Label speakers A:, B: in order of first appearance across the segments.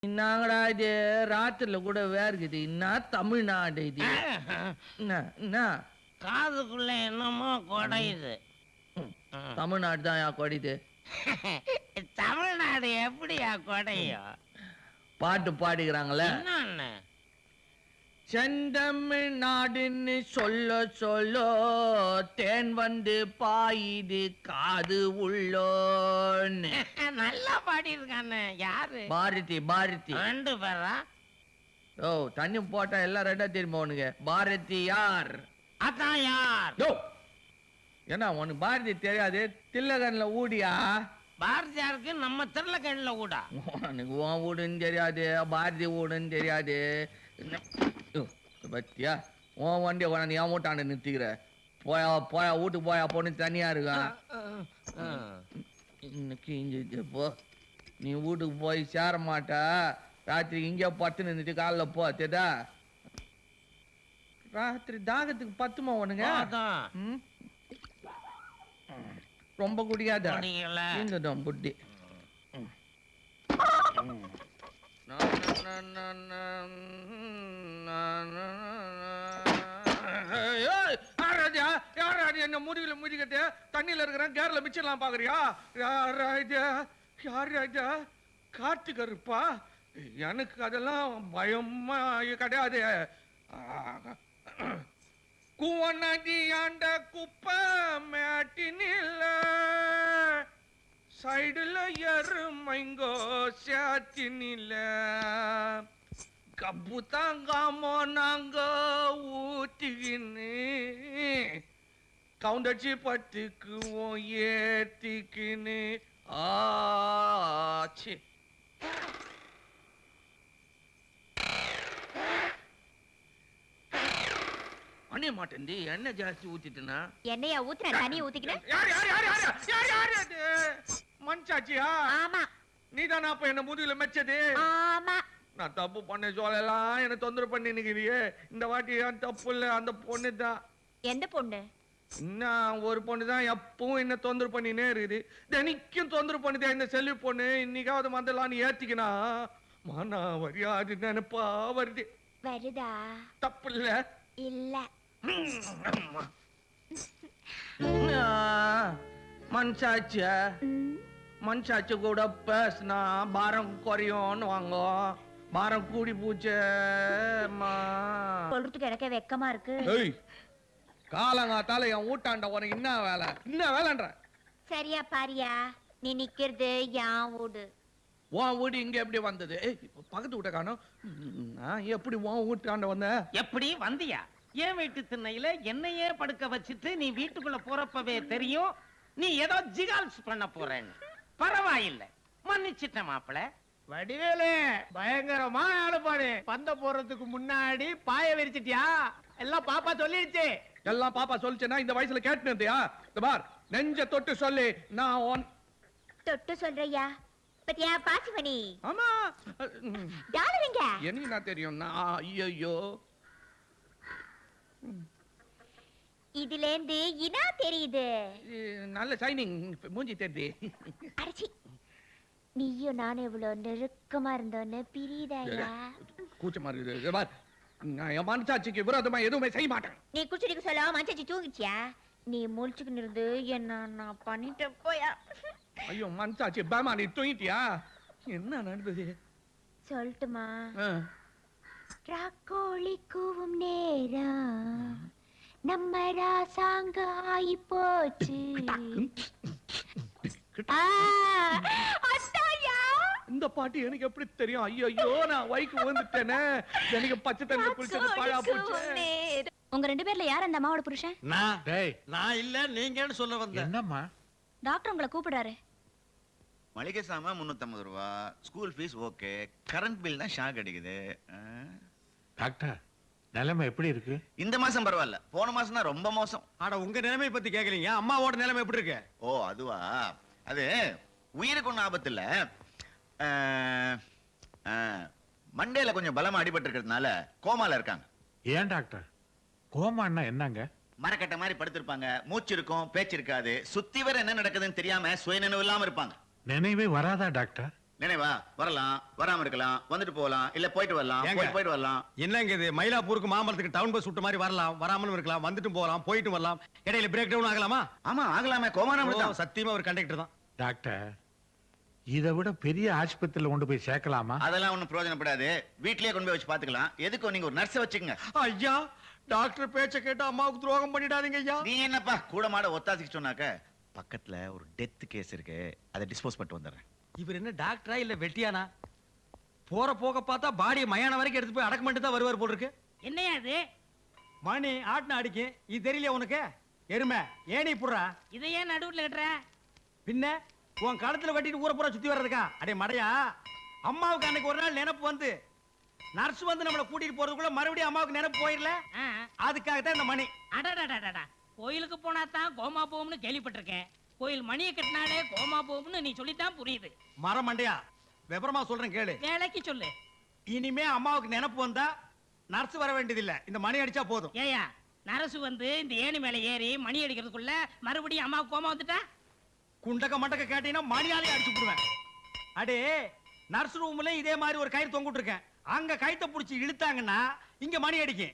A: என்னங்கடா இது ராத்திரில கூட வேர்க்குது. என்ன தமிழ்நாடு இது? என்ன
B: காதுக்குள்ள என்னமோ குடையுது.
A: தமிழ்நாடு தான் யா கொடிது.
B: தமிழ்நாடு எப்படியா குடையும்?
A: பாட்டு பாடிக்கிறாங்களே.
B: என்னன்னு?
A: செந்தமிழ்நாடுன்னு சொல்ல சொல்ல தேன் வந்து பாயுது காது உள்ளோன்னு.
B: நல்லா பாடியிருக்கானே. யாரு?
A: பாரதி. பாரதி
B: 2 பேரா?
A: ஓ தண்ணி போட்டா எல்லாம் ரெண்டா திரும்ப உனக்கு. பாரதி யார்?
B: அதான் யார்?
A: என்ன உனக்கு பாரதி தெரியாது? தில்லகன்ல ஊடியா?
B: பாரதியாருக்கு நம்ம திருளக்கண்ணில் கூடா.
A: உனக்கு உன் வீடுன்னு தெரியாது, பாரதி வீடுன்னு தெரியாது. பத்தியா உன் வண்டியை கொண்டாந்து என் வீட்டாண்டு நிறுத்திக்கிற. போயா போயா வீட்டுக்கு போயா பொண்ணு தனியா இருக்கான். இன்னைக்கு இங்க போ. நீ வீட்டுக்கு போய் சேர மாட்டா. ராத்திரி இங்கே பத்து நின்றுட்டு காலைல போ. தெரியா? ராத்திரி தாகத்துக்கு பத்துமா உனங்க? ரொம்ப குடிக்காத. இங்கதான் புட்டி. என்ன முடிவுல முடிக்கிட்டு தண்ணியில இருக்கிறேன். கேர்ல மிச்சலாம் பாக்குறியா? யார் ராஜா? கார்த்திக் இருப்பா. எனக்கு அதெல்லாம் பயமா கிடையாது. குவநதி ஆண்ட குப்பை மேட்டினில்ல சைடுல எருமைங்கோ சாத்தினில்ல கப்பு தாங்காமோ நாங்க ஊத்திக்கின்னு கவுண்டச்சி பத்துக்குவோம் ஏத்திக்கின்னு ஆச்சு. அணிய மாட்டேன்டி. எண்ணெய் ஜாஸ்தி ஊத்திட்டுனா
C: எண்ணெயா ஊத்துற? தண்ணிய ஊத்திக்கிறேன்.
A: மஞ்சாச்சியா?
C: ஆமா.
A: நீதானா அப்ப என்ன முதுகுல மெச்சது?
C: ஆமா.
A: நான் தப்பு பண்ண சொல்லலாம் என்ன தொந்தரவு பண்ணி நிக்கிறியே. இந்த வாட்டி ஏன் தப்பு இல்ல, அந்த பொண்ணு தான்.
C: எந்த பொண்ணு?
A: இன்னும் ஒரு பொண்ணு தான் எப்பவும் என்ன தொந்தரவு பண்ணினே இருக்குது. தினைக்கும் தொந்தரவு பண்ணுதே இந்த செல்வி பொண்ணு. இன்னைக்காவது மந்தலான்னு ஏத்திக்கினா மானா வரியாது நினைப்பா வருது.
C: வருதா?
A: தப்பு இல்ல.
C: இல்ல.
A: மனசாட்சிய மனசாட்சி கூட பேசினா பாரம் குறையும்னு வாங்க. பாரம் கூடி பூச்சே.
C: சொல்றதுக்கு எனக்கே வெக்கமா இருக்கு.
A: காலங்காத்தால என் ஊட்டாண்ட உனக்கு என்ன வேலை? என்ன வேலைன்ற?
C: சரியா பாரியா? நீ நிக்கிறது என் வீடு.
A: உன் வீடு இங்க எப்படி வந்தது? பக்கத்து வீட்டை காணோம். எப்படி உன் வீட்டாண்ட வந்த?
B: எப்படி வந்தியா? ஏன் வீட்டு திண்ணையில என்னையே படுக்க வச்சுட்டு நீ வீட்டுக்குள்ள போறப்பவே தெரியும் நீ ஏதோ ஜிகால்ஸ் பண்ண போறேன்னு. பரவாயில்லை, மன்னிச்சிட்ட மாப்பிள.
D: வடிவேலு பயங்கரமா ஆளுபாடு. பந்த போறதுக்கு முன்னாடி பாய விரிச்சிட்டியா? எல்லாம் பாப்பா சொல்லிடுச்சு.
A: எல்லாம் பாப்பா சொல்லிச்சேன்னா இந்த வயசுல கேட்டு இருந்தியா? இந்த பார் நெஞ்ச தொட்டு சொல்லி நான்
C: தொட்டு சொல்றியா? பத்தியா பாசிமணி?
A: ஆமா.
C: டாலருங்க
A: எனக்கு நான் தெரியும். ஐயோ
C: இதுல இருந்து இனா தெரியுது.
A: நல்ல ஷைனிங் மூஞ்சி தெரியுது.
C: அடச்சி, நீயும் நானும் இவ்வளவு நெருக்கமா இருந்தோன்னு பிரியுதாயா?
A: கூச்சமா இருக்குது. பார் நான் என் மனசாட்சிக்கு விரோதமா எதுவுமே செய்ய மாட்டேன்.
C: நீ குச்சிடிக்கு சொல்ல மனசாட்சி தூங்கிச்சியா? நீ முழிச்சுக்கின்னு இருந்து என்ன நான் பண்ணிட்டு போயா?
A: ஐயோ மனசாட்சி பேமா நீ தூங்கிட்டியா? என்ன நடந்தது
C: சொல்லட்டுமா? ராக்கோழி கூவும் நேரம் நம்ம ராசாங்க ஆயி போச்சு.
A: இந்த பாட்டு எனக்கு எப்படி தெரியும்? ஐயோ நான் வைக்கு வந்துட்டேனே. எனக்கு பச்சை தண்ணி குளிச்சது பாழா போச்சு.
C: உங்க 2 பேர்ல யார் அந்த அம்மாவோட புருஷன்?
E: நான் இல்ல, நீங்கன்னு சொல்ல வந்தேன்.
F: என்னம்மா?
C: டாக்டர் உங்களை கூப்பிடுறாரு.
G: மளிகை சாமான் 350 ரூபா, school fees okay, current bill தான் ஷாக் அடிக்குது.
F: டாக்டர் நிலைமை எப்படி இருக்கு?
G: இந்த மாசம் பரவாயில்ல, போன மாசம் தான் ரொம்ப மோசம்.
E: ஆனா உங்க நிலைமை பத்தி கேக்கலீங்க. அம்மாவோட நிலைமை எப்படி இருக்கு?
G: ஓ அதுவா? அது உயிருக்கு ஒன்றும் ஆபத்து இல்ல. மண்டேல கொஞ்சம் பலமா அடிபட்டு இருக்கிறதுனால கோமால இருக்காங்க.
F: ஏன் டாக்டர்? கோமான்னா என்னங்க?
G: மரக்கட்ட மாதிரி படுத்திருப்பாங்க, மூச்சு இருக்கும் பேச்சு இருக்காது, சுத்தி வர என்ன நடக்குதுன்னு தெரியாம சுயநினைவு இல்லாம இருப்பாங்க.
F: நினைவே வராதா டாக்டர்?
G: நினைவா வரலாம், வராம இருக்கலாம், வந்துட்டு போகலாம், இல்ல போயிட்டு வரலாம்,
E: ஏங்க?
G: போயிட்டு வரலாம்.
E: என்னங்க இது மயிலாப்பூருக்கு மாமரத்துக்கு டவுன் பஸ் விட்ட மாதிரி வரலாம், வராமலும் இருக்கலாம், வந்துட்டும் போகலாம், போயிட்டு வரலாம், இடையில பிரேக் டவுன் ஆகலாமா?
G: ஆமா ஆகலாமே, கோமானம்
E: ஓ,
G: தான்.
E: சத்தியமா ஒரு கண்டக்டர் தான்.
F: டாக்டர் இதை விட பெரிய ஆஸ்பத்திரியில கொண்டு போய் சேர்க்கலாமா?
G: அதெல்லாம் ஒண்ணும் பிரயோஜனப்படாது. வீட்லயே கொண்டு போய் வச்சு பாத்துக்கலாம். எதுக்கும் நீங்க ஒரு நர்ஸை வச்சுக்கங்க.
E: ஐயா டாக்டர் பேச்ச கேட்டு அம்மாவுக்கு துரோகம் பண்ணிடாதீங்க ஐயா.
G: நீ என்னப்பா கூட மாட ஒத்தாசிக்கு சொன்னாக்க, பக்கத்துல ஒரு டெத் கேஸ் இருக்கு, அதை டிஸ்போஸ் பண்ணிட்டு வந்துடுறேன்.
E: இவர் என்ன டாக்டரா இல்ல வெட்டியானா? போற போக பார்த்தா பாடியை மயான வரைக்கும் எடுத்து போய் அடக்கம் பண்ணிட்டு தான் வருவார் போல் இருக்கு.
B: என்னையா அது?
E: மணி ஆட்டின அடிக்கும், இது தெரியலையா உனக்கு? எருமை ஏனி புடுறா,
B: இதை ஏன் நடுவுல கட்டுற?
E: பின்ன உன் களத்துல வெட்டிட்டு ஊரை பூரா சுத்தி வர்றதுக்கா? அடே மடையா, அம்மாவுக்கு அன்னைக்கு ஒரு நாள் நினைப்பு வந்து நர்ஸ் வந்து நம்மளை கூட்டிட்டு போறதுக்குள்ள மறுபடியும் அம்மாவுக்கு நினைப்பு போயிடல,
B: ஆ.
E: அதுக்காகத்தான் இந்த மணி.
B: அடடடடடா. கோயிலுக்கு போனா தான் கோமா போகும்னு கேள்விப்பட்டிருக்கேன். கோயில் மணியை கட்டினாலே கோமா போகும்னு நீ சொல்லித்தான் புரியுது.
E: மரம் மண்டையா, விவரமா சொல்றேன் கேளு.
B: வேலைக்கு சொல்லு.
E: இனிமே அம்மாவுக்கு நினைப்பு வந்தா நர்ஸ் வர வேண்டியதில்லை, இந்த மணி அடிச்சா போதும்.
B: ஏயா நரசு வந்து இந்த ஏணி மேல ஏறி மணி அடிக்கிறதுக்குள்ள மறுபடியும் அம்மாவுக்கு கோமா வந்துட்டா?
E: குண்டக்க மண்டக்க கேட்டீங்கன்னா மணியாலே அடிச்சு விடுவேன். அடே நர்ஸ் ரூம்ல இதே மாதிரி ஒரு கயிறு தொங்கிட்டு இருக்கேன், அங்க கயித்தை புடிச்சு இழுத்தாங்கன்னா இங்க மணி அடிக்கும்.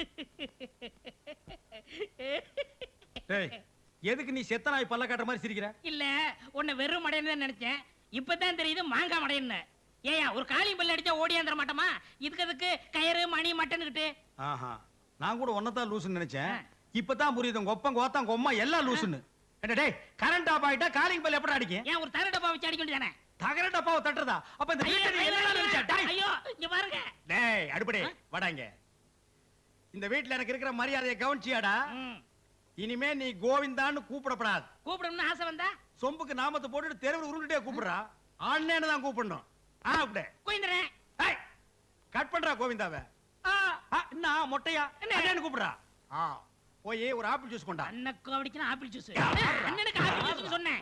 E: டேய், எதுக்கு நீ செத்த நாய் பல்ல காட்டுற மாதிரி சிரிக்கிற?
B: இல்ல உன்னை வெறும் மடையன்னு தான் நினைச்சேன். இப்பதான் தெரியுது மாங்காய் மடையன்னு. ஏயா ஒரு காளி பல்ல அடிச்சா ஓடியாந்துட மாட்டோமா? இதுக்கு கயிறு மணி மட்டன்னுகிட்டு.
E: ஆஹா, நான் கூட ஒன்னதான் லூசுன்னு நினைச்சேன். இப்பதான் புரியுது உங்க ஒப்பம் கோத்தம் கொம்மா எல்லாம் லூசுன்னு. என்ன டேய், கரண்ட் ஆஃப் ஆயிட்டா காலிங் பெல் எப்படி அடிக்கும்?
B: ஏன் ஒரு தர டப்பா வச்சு அடிக்க வேண்டியதானே?
E: தகர டப்பாவை தட்டுறதா? அப்ப இந்த
B: ஐயோ,
E: வீட்டுல நீ என்னடா நினைச்ச? டேய்,
B: ஐயோ இங்க பாருங்க.
E: டேய் அடுப்படே வாடாங்க. இந்த வீட்டுல எனக்கு இருக்கிற மரியாதையை கவனிச்சியாடா?
B: ம்.
E: இனிமே நீ கோவிந்தான்னு கூப்பிடப்படாது.
B: கூப்பிடணும்னு ஆசை வந்தா
E: சொம்புக்கு நாமத்தை போட்டுட்டு தெருவில் உருண்டுட்டே கூப்பிடுறா. ஆன்லைன் தான் கூப்பிடணும். அப்படியே
B: கோயிந்தரேன்.
E: ஏய், கட் பண்றா கோவிந்தாவை. என்ன மொட்டையா என்ன கூப்பிடுறா? போய் ஒரு ஆப்பிள் ஜூஸ் கொண்டா.
B: அண்ணக்கு அப்படிச்சுனா ஆப்பிள் ஜூஸ். அண்ணனுக்கு ஆப்பிள் ஜூஸ் சொன்னேன்.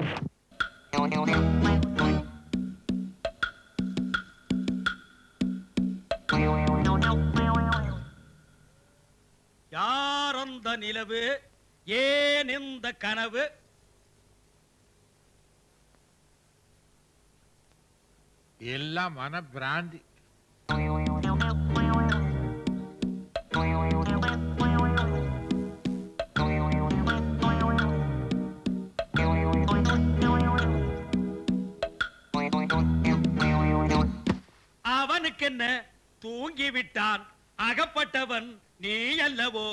E: யார் அந்த நிலவு, ஏன் இந்த கனவு?
F: எல்லாம் மன பிராந்தி.
E: அவனுக்கு என்ன, தூங்கி விட்டான், அகப்பட்டவன் நீ அல்லவோ?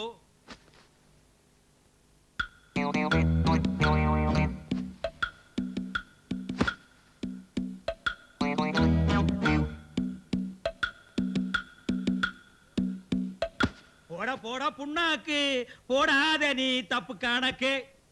E: போட போட புண்ணாக்கு போடாத நீ தப்பு கணக்கு.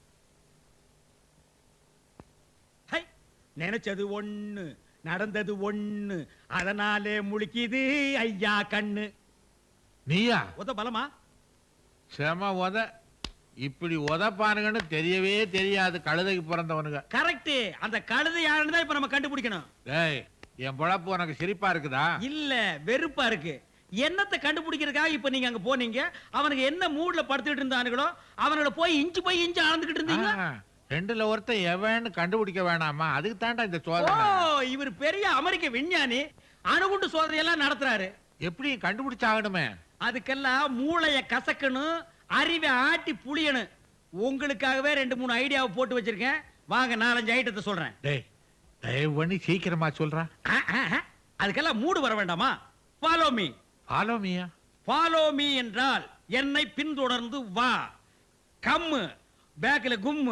E: ஹை, நினைச்சது ஒண்ணு நடந்தது ஒண்ணு, அதனாலே முழிக்குது ஐயா கண்ணு.
F: நீயா?
E: உத பலமா?
F: செம உத. இப்படி உதப்பானுங்கன்னு தெரியவே தெரியாது கழுதைக்கு பிறந்தவனுங்க.
E: கரெக்ட். அந்த கழுதை யாருன்னு தான் இப்ப நம்ம கண்டுபிடிக்கணும்.
F: டேய், என் பொழப்பு உனக்கு சிரிப்பா இருக்குதா?
E: இல்ல வெறுப்பா இருக்கு. என்னத்தை கண்டுபிடிக்கிறதுக்காக இப்ப நீங்க அங்க போனீங்க? அவனுக்கு என்ன மூட்ல படுத்துட்டு இருந்தானுங்களோ அவங்கள போய் இன்ச்சு அளந்துகிட்டு இருந்தீங்க.
F: ரெண்டுல ஒருத்தன் எவன்னு கண்டுபிடிக்க வேணாமா? அதுக்கு தாண்டா இந்த
E: ஓ,
F: சோதனை.
E: இவர் பெரிய அமெரிக்க விஞ்ஞானி, அணுகுண்டு சோதனை எல்லாம் நடத்துறாரு.
F: எப்படி கண்டுபிடிச்சாகணுமே?
E: அதுக்கெல்லாம் மூளைய கசக்கணும், அறிவை ஆட்டி புளியணும். உங்களுக்காகவே 2-3 ஐடியாவை போட்டு வச்சிருக்கேன். வாங்க 4-5 ஐட்டத்தை சொல்றேன்.
F: டேய், தயவு பண்ணி சீக்கிரமா சொல்றா.
E: அதுக்கெல்லாம் மூடு வர வேண்டாமா? Follow me.
F: ஃபாலோ மீயா?
E: ஃபாலோ மீ என்றால் என்னை பின்தொடர்ந்து வா. கம்மு பேக்ல கும்மு.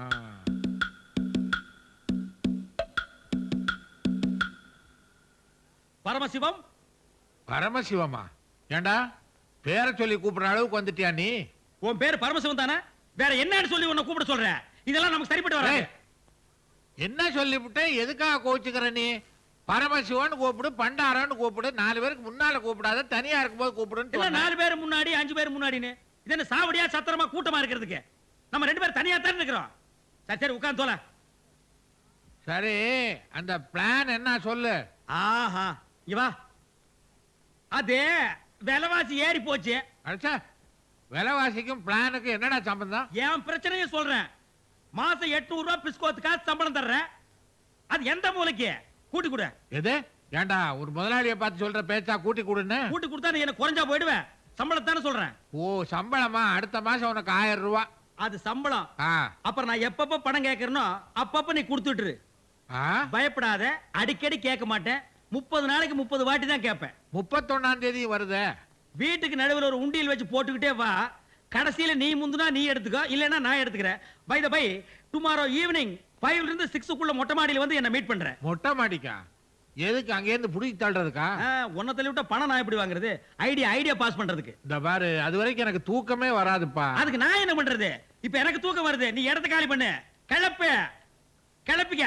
E: பரமசிவம்.
F: பரமசிவமா? ஏண்டா பேரை சொல்லி கூப்பிடுற அளவுக்கு வந்துட்டியா நீ?
E: உன் பேர் பரமசிவம் தானே? வேற என்னன்னு சொல்லி உன்னை கூப்பிட சொல்ற? இதெல்லாம் நமக்கு சரிப்பட்டு வராது.
F: டேய், என்ன சொல்லிவிட்டு எதுக்காக கோச்சுக்கிற நீ? பரமசிவன் கூப்பிடு, பண்டாரன்னு கூப்பிடு, 4 பேருக்கு முன்னால கூப்பிடாத, தனியா இருக்கும்போது கூப்பிடுன்னு
E: இல்ல
F: சொன்னேன்.
E: 4 பேர் முன்னாடி 5 பேர் முன்னாடின்னு. இது என்ன சாவடியா சத்திரமா கூட்டமா இருக்கிறதுக்கு? நம்ம 2 பேர் தனியா தான் இருக்கிறோம். சரி சரி உட்கார்ந்து தோல.
F: சரி, அந்த பிளான் என்ன சொல்லு.
E: ஆஹா, இங்க வா. அதே விலைவாசி ஏறி போச்சு.
F: அடிச்சா விலைவாசிக்கும் பிளானுக்கும் என்னடா சம்பந்தம்?
E: என் பிரச்சனையை சொல்றேன். மாசம் 800 ரூபாய் பிஸ்கோத்துக்காக சம்பளம் தர்றேன். அது எந்த மூலைக்கு? கூட்டி கொடு.
F: எது ஏண்டா ஒரு முதலாளியை பார்த்து சொல்ற பேச்சா கூட்டி கொடுன்னு?
E: கூட்டி கொடுத்தா நீ என்ன குறைஞ்சா போயிடுவேன். சம்பளத்தானே சொல்றேன்.
F: ஓ சம்பளமா? அடுத்த மாசம் உனக்கு 1000 ரூபாய்.
E: அது சம்பளம்.
F: ஆ
E: அப்புறம் நான் எப்பப்ப பணம் கேட்கறனோ அப்பப்ப நீ கொடுத்துட்டுரு.
F: ஆ
E: பயப்படாத, அடிக்கடி கேட்க மாட்டேன். 30 நாளைக்கு 30 வாட்டி தான் கேட்பேன்.
F: 31ஆம் தேதி வருதே.
E: வீட்டுக்கு நடுவில் ஒரு உண்டியல் வச்சு போட்டுக்கிட்டே வா. கடைசியில நீ முந்துனா நீ எடுத்துக்கோ, இல்லைன்னா நான் எடுத்துக்கிறேன். By the by, tomorrow evening 5 ல இருந்து 6க்குள்ள மொட்டை மாடியில வந்து என்ன மீட் பண்றேன்.
F: மொட்டை மாடிக்கா? எதுக்கு அங்க இருந்து புடிச்சு தள்ளுறதுக்கா?
E: உன்னை தள்ளி விட்டா பணம் நான் எப்படி வாங்குறது? ஐடியா பாஸ் பண்றதுக்கு.
F: இந்த பாரு, அது வரைக்கும் எனக்கு தூக்கமே வராதுப்பா.
E: அதுக்கு நான் என்ன பண்றது? இப்ப எனக்கு தூக்கம் வருது. நீ இடத்த காலி பண்ணு. கிளப்பிக்க.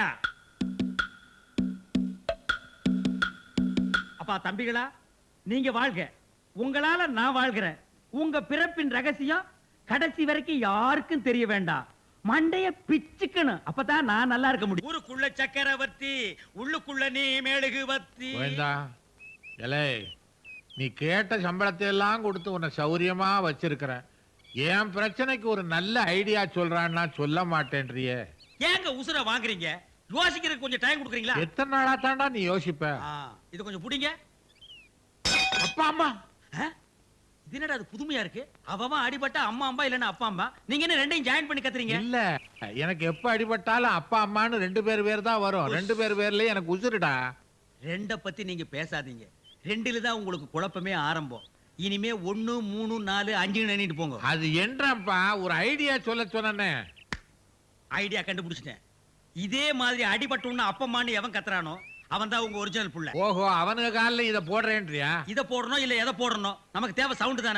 E: அப்பா தம்பிகளா, நீங்க வாழ்க. உங்களால நான் வாழ்கிறேன். உங்க பிறப்பின் ரகசியம் கடைசி வரைக்கும் யாருக்கும் தெரிய வேண்டாம். மண்டைய பிச்சுக்கணும். அப்பதான் நான் நல்லா இருக்க முடியும். ஊருக்குள்ள சக்கரவர்த்தி, உள்ளுக்குள்ள நீ மெழுகுவர்த்தி.
F: கோவிந்தா, எலே நீ கேட்ட சம்பளத்தை எல்லாம் கொடுத்து உன்னை சௌரியமா வச்சிருக்கிற. என் பிரச்சனைக்கு ஒரு நல்ல ஐடியா சொல்றான்னா சொல்ல மாட்டேன்றியே.
E: ஏங்க உசுர வாங்குறீங்க? யோசிக்கிறதுக்கு கொஞ்சம் டைம் கொடுக்குறீங்களா?
F: எத்தனை நாளா தாண்டா நீ யோசிப்ப?
E: இது கொஞ்சம் புடிங்க.
F: அப்பா அம்மா
E: இது என்னடா அது புதுமையா இருக்கு? அவன் அடிபட்டா அம்மா அம்மா இல்லன்னா அப்பா அம்மா. நீங்க என்ன ரெண்டையும் ஜாயின் பண்ணி கத்துறீங்க?
F: இல்ல, எனக்கு எப்ப அடிபட்டாலும் அப்பா அம்மான்னு 2 பேர் தான் வரும். 2 பேர்லயே எனக்கு உசுருடா.
E: ரெண்ட பத்தி நீங்க பேசாதீங்க. 2ல தான் உங்களுக்கு குழப்பமே ஆரம்பம். இனிமே 1 3 4 5 எண்ணிட்டு போங்க.
F: அது என்றப்பா ஒரு ஐடியா சொல்ல சொன்னே.
E: ஐடியா கண்டுபிடிச்சிட்டேன். இதே மாதிரி அடிபட்டோம்னு அப்பம்மான்னு எவன் கத்துறானோ அவன் தான் உங்க ஒரிஜினல் புள்ள.
F: ஓஹோ, அவனுக்கு காலில் இதை போடுறேன்றியா?
E: இதை போடணும் இல்ல எதை போடணும், நமக்கு தேவை சவுண்ட் தானே.